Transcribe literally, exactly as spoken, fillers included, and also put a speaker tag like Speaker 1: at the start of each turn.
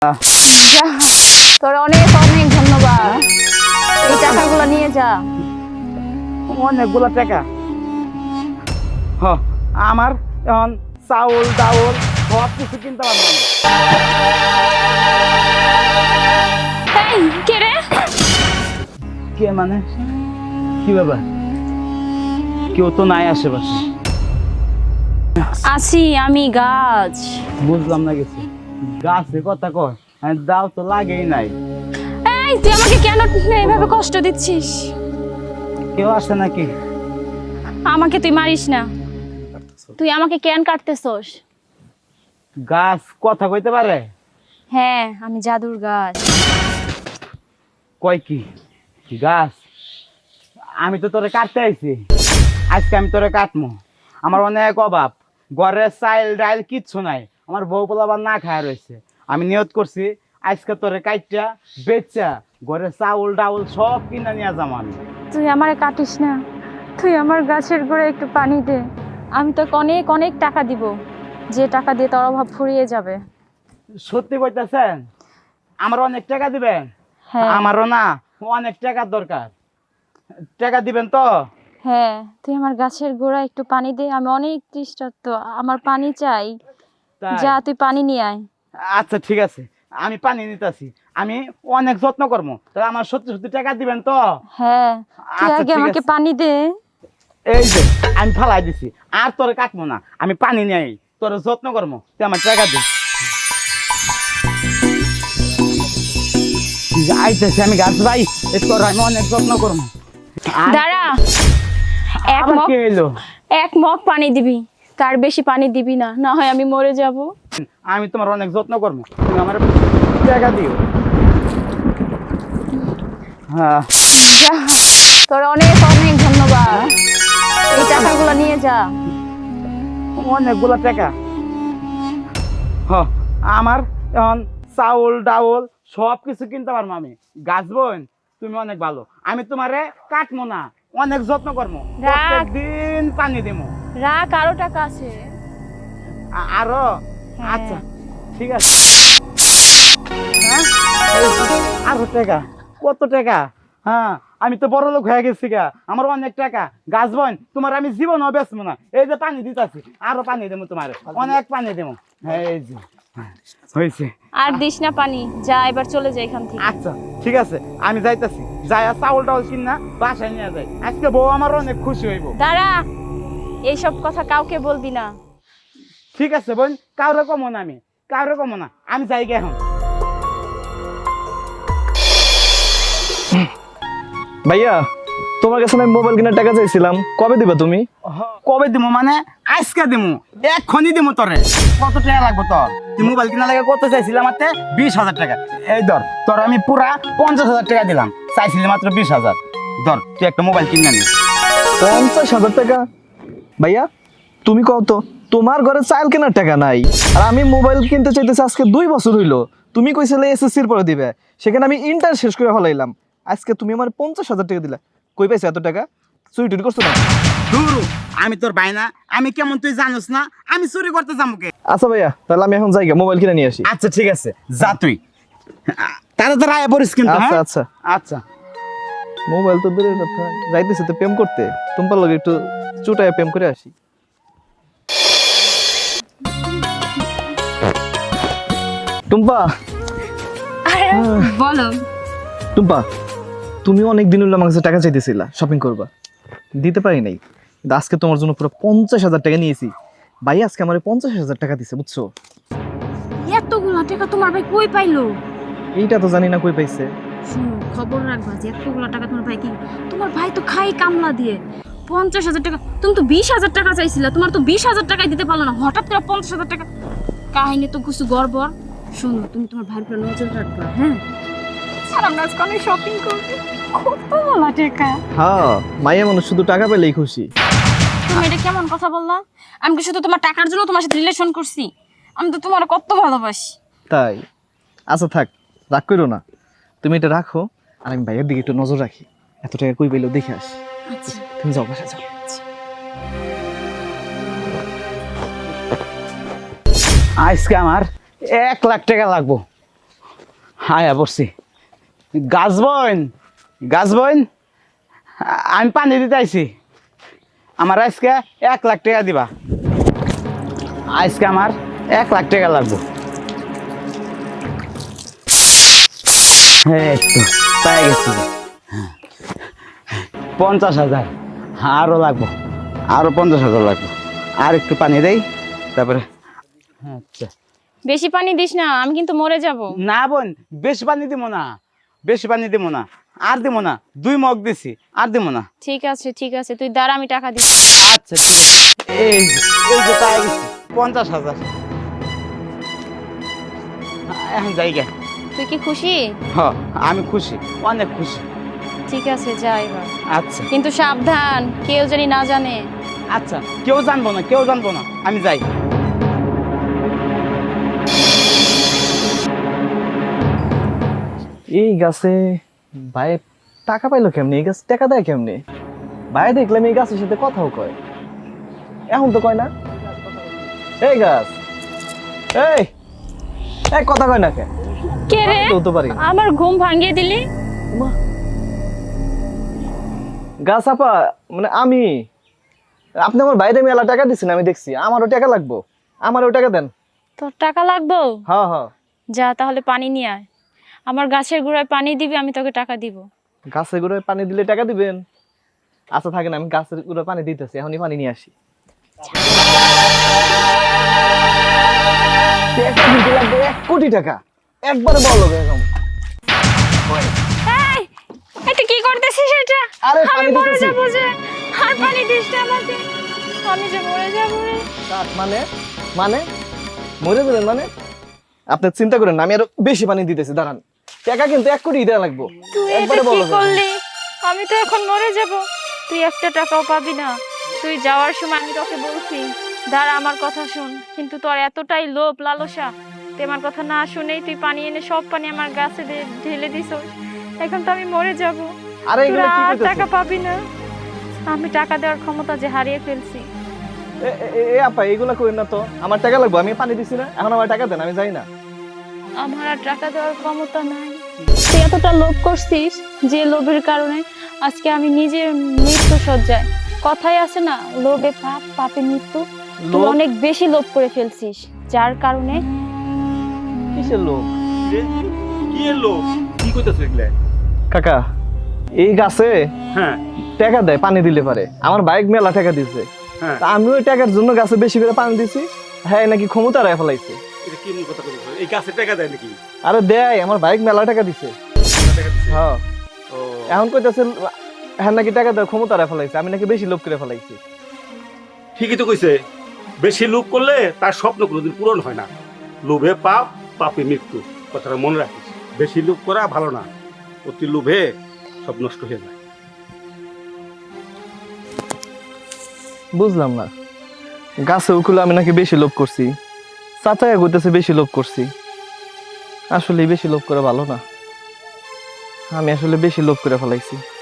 Speaker 1: যা, তোর অনেক অনেক ধন্যবাদ। এই টাকাগুলো নিয়ে যা।
Speaker 2: অনেকগুলো টাকা। হ, আমার এখন চাউল ডাউল সব কিছু কিনতে পারবো আমি।
Speaker 1: এই কে রে?
Speaker 2: কে মানে কি ব্যাপার? কেউ তো নাই আশেপাশে।
Speaker 1: আছি আমি গাছ।
Speaker 2: বুঝলাম না কিছু। গাছে কথা কয় আর দাও তো লাগেই নাই।
Speaker 1: এই তুই আমাকে কেন এইভাবে কষ্ট দিচ্ছিস?
Speaker 2: কেউ আসে নাকি?
Speaker 1: আমাকে তুই মারিস না। তুই আমাকে কেন কাটতেছস?
Speaker 2: গাছ কথা কইতে পারে?
Speaker 1: হ্যাঁ, আমি জাদুর গাছ।
Speaker 2: কয় কি গাছ? আমি তো তোরে কাটতে আইছি। আজকে আমি তোরে কাটমু। আমার অনেক অভাব, ঘরে চাইল ডাইল কিচ্ছু নাই। আমার বউ পোলাবার না খায় রয়েছে। আমি নিয়ত করছি আজকে তোরে কাইটা বেচা ঘরে চাউল ডাউল সব কিনা নিয়ে যাম আমি।
Speaker 1: তুই আমারে কাটিস না। তুই আমার গাছের গোড়ায় একটু পানি দে। আমি তোকে অনেক অনেক টাকা দিব, যে টাকা দিয়ে তোর অভাব ফুরিয়ে যাবে।
Speaker 2: সত্যি কইতাছেন? আমার অনেক টাকা দিবেন?
Speaker 1: হ্যাঁ
Speaker 2: আমারও না অনেক টাকার দরকার। টাকা দিবেন তো?
Speaker 1: হ্যাঁ, তুই আমার গাছের গোড়ায় একটু পানি দে। আমি অনেক তৃষ্ণার্ত, আমার পানি চাই।
Speaker 2: তাই?
Speaker 1: যা তুই পানি নিয়ে আয়।
Speaker 2: আচ্ছা ঠিক আছে, আমি পানি নিতেছি। আমি অনেক যত্ন করবো। তাহলে আমার সত্যি সত্যি টাকা দিবেন তো?
Speaker 1: হ্যাঁ, তুই
Speaker 2: আচ্ছা,
Speaker 1: আগে
Speaker 2: ঠিক
Speaker 1: আমাকে
Speaker 2: আছে।
Speaker 1: পানি দে।
Speaker 2: এই যে আমি ফালাই দিছি, আর তোরে কাটবো না। আমি পানি নিয়ে আই, তোর যত্ন করবো, তুই আমার টাকা দে। আইতেছি আমি গাছ ভাই, তোর আমি অনেক যত্ন করবো। আর
Speaker 1: দাঁড়া, এক
Speaker 2: আবার
Speaker 1: মগ
Speaker 2: কে এলো?
Speaker 1: এক মগ পানি দিবি, তার বেশি পানি দিবি না, না হয় আমি মরে যাব।
Speaker 2: আমি তোমার অনেক যত্ন করবো, তুমি আমার টাকা দিও। হ্যাঁ,
Speaker 1: যা, তোর অনেক অনেক ধন্যবাদ। এই টাকাগুলো নিয়ে যা।
Speaker 2: অনেকগুলো টাকা। হ, আমার এখন চাউল ডাউল সব কিছু কিনতে পারবো আমি। গাছ বোন, তুমি অনেক ভালো। আমি তোমারে কাটবো না, অনেক যত্ন করবো, প্রত্যেক দিন পানি দিবো।
Speaker 1: রাখ, আরো টাকা আছে।
Speaker 2: আ- আরো?
Speaker 1: হ্যাঁ।
Speaker 2: আচ্ছা ঠিক আছে। হ্যাঁ, এই আরো টাকা? কত টাকা? হ্যাঁ, আমি তো বড় লোক হয়ে গেছি গা, আমার অনেক টাকা। গাছ বোন, তোমার আমি জীবনও বেচবো না। এই যে পানি দিতেছি, আরো পানি দেবো তোমার, অনেক পানি দেবো। হ্যাঁ, এই যে হয়েছে।
Speaker 1: আর দিস না পানি, যা এবার চলে যাই এখান থেকে।
Speaker 2: আচ্ছা ঠিক আছে, আমি যাইতাছি। যাই চাউল টাউল কিনা বাসায় নিয়ে যাই। আজকে বউ আমার অনেক খুশি হইব।
Speaker 1: দাঁড়া, এইসব কথা কাউকে বলবি না।
Speaker 2: ঠিক আছে বোন, কাউরে কমো না, আমি কাউরে কমো না। আমি যাই গে এখন।
Speaker 3: ভাইয়া, তোমার কাছে আমি মোবাইল কেনার টাকা চাইছিলাম, কবে দিবা তুমি?
Speaker 2: কবে দিমু মানে? আজকে দিমু, এক্ষুনি দিমু তোরে। কত টাকা লাগবে তোর? তুই মোবাইল কিনা লাগে কত চাইছিলাম? মাত্র বিশ হাজার টাকা। এই ধর, তোর আমি পুরা পঞ্চাশ হাজার টাকা দিলাম, চাইছিলি মাত্র বিশ হাজার। ধর, তুই একটা মোবাইল কিনে আনি।
Speaker 3: পঞ্চাশ হাজার টাকা? ভাইয়া তুমি কত, তোমার ঘরে চাল কেনার টাকা নাই, আর আমি মোবাইল কিনতে চাইতেছি আজকে দুই বছর হইলো। তুমি কইছিলে এসএসসির পরে দিবে, সেখানে আমি ইন্টার শেষ করে ফেলাইলাম। আজকে তুমি আমার পঞ্চাশ হাজার টাকা দিলা, কই পাইছো এত টাকা? চুরি টুরি করছো না?
Speaker 2: ধুরু, আমি তোর ভাই না? আমি কেমন তুই জানোস না? আমি চুরি করতে যাবো কে?
Speaker 3: আচ্ছা ভাইয়া, তাহলে আমি এখন যাই গে, মোবাইল কিনে নিয়ে আসি।
Speaker 2: আচ্ছা ঠিক আছে, যা তুই। তাড়াতাড়ি আয় পড়িস কিন্তু।
Speaker 3: আচ্ছা
Speaker 2: হ্যাঁ?
Speaker 3: আচ্ছা।
Speaker 2: আচ্ছা।
Speaker 3: মোবাইল তো দূরের কথা, যাইতেছি তো প্রেম করতে, তোমার লগে একটু চুটায় প্রেম করে আসি। টুম্পা,
Speaker 1: বলো।
Speaker 3: টুম্পা, তুমি অনেক দিন হলো আমার কাছে টাকা চাইতেছিলা শপিং করবা, দিতে পারি নাই। কিন্তু আজকে তোমার জন্য পুরো পঞ্চাশ হাজার টাকা নিয়েছি। ভাই আজকে আমার পঞ্চাশ হাজার টাকা দিছে, বুঝছো?
Speaker 1: এতগুলো টাকা তোমার ভাই কই পাইলো?
Speaker 3: এইটা তো জানি না কই পাইছে।
Speaker 1: শুনো, খবর রাখবা যে এতগুলো টাকা তোমার ভাই কি, তোমার ভাই তো খাই কামলা দিয়ে পঞ্চাশ হাজার টাকা। তুমি তো বিশ হাজার টাকা চাইছিলা, তোমার তো বিশ হাজার টাকাই দিতে পারলো না, হঠাৎ করে পঞ্চাশ হাজার টাকা। কাহিনী তো কিছু গড়বড়। শোনো, তুমি তোমার ভাইয়ের উপর নজর রাখবা। হ্যাঁ, আর আমরা আজকে অনেক শপিং করবো। কতগুলো টাকা!
Speaker 3: হ্যাঁ, মাইয়া মানুষ শুধু টাকা পেলেই খুশি।
Speaker 1: তুমি এটা কেমন কথা বললা? আমি কি শুধু তোমার টাকার জন্য তোমার সাথে রিলেশন করছি? আমি তো তোমার কত ভালোবাসি।
Speaker 3: তাই? আচ্ছা থাক, রাগ করো না। তুমি এটা রাখো, আর আমি ভাইয়ের দিকে একটু নজর রাখি। এত টাকা কই পেলেও দেখে আসি।
Speaker 1: আচ্ছা,
Speaker 3: তুমি যাও, বাসা যাও।
Speaker 2: আজকে আমার এক লাখ টাকা লাগবো। হায়া পড়ছি। গাছ বইন গাছ বইন আমি পানি দিতে আইছি। আমার আজকে এক লাখ টাকা দিবা। আজকে আমার এক লাখ টাকা লাগবো। এই তো পাই গেছি। পঞ্চাশ হাজার আরও লাগবো, আরও পঞ্চাশ হাজার লাগবো। আর একটু পানি দেই তারপরে। আচ্ছা
Speaker 1: বেশি পানি দিস না, আমি কিন্তু মরে যাব।
Speaker 2: না বোন, বেশি পানি দিব না, বেশি পানি দিব না, আর দিব না। দুই মগ দিছি, আর দিব না।
Speaker 1: ঠিক আছে ঠিক আছে, তুই দাঁড়া, আমি টাকা দিচ্ছি।
Speaker 2: আচ্ছা ঠিক আছে। এই যে এই যে পাই গেছি পঞ্চাশ হাজার। এখন যাই গে।
Speaker 1: তুই কি খুশি?
Speaker 2: হ আমি খুশি, অনেক খুশি।
Speaker 1: ঠিক আছে যা এবার,
Speaker 2: আচ্ছা
Speaker 1: কিন্তু সাবধান, কেউ জানি না জানে।
Speaker 2: আচ্ছা, কেউ জানবো না, কেউ জানবো না, আমি যাই।
Speaker 3: এই গাছে ভাই টাকা পাইলো কেমনি? এই গাছ টাকা দেয় কেমনি? ভাই দেখলাম এই গাছের সাথে কথাও কয়, এখন তো কয় না। এই গাছ, এই এই কথা কয় না কে?
Speaker 1: কে রে?
Speaker 3: তো হতে পারি না।
Speaker 1: আমার ঘুম ভাঙিয়ে দিলি।
Speaker 3: মা, গাছ আপা মানে আমি, আপনি আমার বাইরে মেলা টাকা দিচ্ছেন, আমি দেখছি। আমারও টাকা লাগবো, আমারও টাকা দেন।
Speaker 1: তোর টাকা লাগবে?
Speaker 3: হ্যাঁ হ্যাঁ।
Speaker 1: যা তাহলে পানি নিয়ে আয়, আমার গাছের গোড়ায় পানি দিবি, আমি তোকে টাকা দিব।
Speaker 3: গাছের গোড়ায় পানি দিলে টাকা দিবেন? আচ্ছা থাকেন, আমি গাছের গোড়ায় পানি দিতেছি, এখনই পানি নিয়ে আসি। টাকা দিতে লাগবে এক কোটি টাকা, একবারে বড় লোক এরকম।
Speaker 1: এই, এটা কি করতেছিস এটা?
Speaker 3: আরে
Speaker 1: আমি
Speaker 3: পানি
Speaker 1: মরে
Speaker 3: দিতেছি।
Speaker 1: যাবো যে, আর পানি দিস না আমাকে, আমি যে মরে যাবো রে।
Speaker 3: কাট মানে মানে মরে যাবেন মানে? আপনি চিন্তা করেন না, আমি আরো বেশি পানি দিতেছি, দাঁড়ান। টাকা কিন্তু এক কোটি দেওয়া লাগবো,
Speaker 1: তুই এটা
Speaker 3: একবারে
Speaker 1: কি
Speaker 3: বড় লোক।
Speaker 1: করলি? আমি তো এখন মরে যাব, তুই একটা টাকাও পাবি না। তুই যাওয়ার সময় আমি তোকে বলছি দাঁড়া, আমার কথা শোন, কিন্তু তোর এতটাই লোভ লালসা, তুই আমার কথা না শুনেই তুই পানি এনে সব পানি আমার গাছে দে- ঢেলে দিস। এখন তো আমি মরে যাব,
Speaker 3: আরে
Speaker 1: তুই
Speaker 3: এগুলো কি
Speaker 1: আর
Speaker 3: করতেছিস?
Speaker 1: টাকা পাবি না। আমি টাকা দেওয়ার ক্ষমতা যে হারিয়ে ফেলছি।
Speaker 3: এ- এ- এ আপা এগুলা করেন না তো, আমার টাকা লাগবো, আমি পানি দিছি না, এখন আমার টাকা দেন, আমি যাই না।
Speaker 1: আমার আর টাকা দেওয়ার ক্ষমতা নাই। তুই এতটা লোভ করছিস, যে লোভের কারণে আজকে আমি নিজের মৃত্যু সজ্জায়। কথাই আছে না, লোভে পাপ, পাপে মৃত্যু। তুই
Speaker 3: লোভ?
Speaker 1: অনেক বেশি লোভ করে ফেলছিস, যার কারণে
Speaker 3: কিসের লোক?
Speaker 4: কি এলো কি কইতাছ এগুলা?
Speaker 3: কাকা এই গাছে
Speaker 4: হ্যাঁ
Speaker 3: টাকা দেয় পানি দিলে পারে, আমার বাইক মেলা টাকা দিছে,
Speaker 4: হ্যাঁ,
Speaker 3: তা আমি ওই টাকার জন্য গাছে বেশি করে পানি দিছি। হ্যাঁ নাকি ক্ষমতা রায় ফেলাইছে।
Speaker 4: এটা কি মূল কথা কইতাছ? এই গাছে টাকা দেয় নাকি?
Speaker 3: আরে দেয়, আমার বাইক মেলা টাকা দিছে।
Speaker 4: টাকা দিছে?
Speaker 3: হ্যাঁ,
Speaker 4: ও
Speaker 3: এখন কইতাছে হ্যাঁ নাকি টাকা দেয় ক্ষমতা রায় ফেলাইছে, আমি নাকি বেশি লোভ করে ফেলাইছি।
Speaker 4: ঠিকই তো কইছে, বেশি লোভ করলে তার স্বপ্ন কোনোদিন পূরণ হয় না। লোভে পাপ, পাপে মৃত্যু, কথাটা মনে রাখিস। বেশি লোভ করা ভালো না, অতি লোভে সব নষ্ট হয়ে যায়।
Speaker 3: বুঝলাম না, গাছে উকুলে আমি নাকি বেশি লোভ করছি, চাচাইয়া কইতেছে বেশি লোভ করছি। আসলে বেশি লোভ করে ভালো না, আমি আসলে বেশি লোভ করে ফেলাইছি।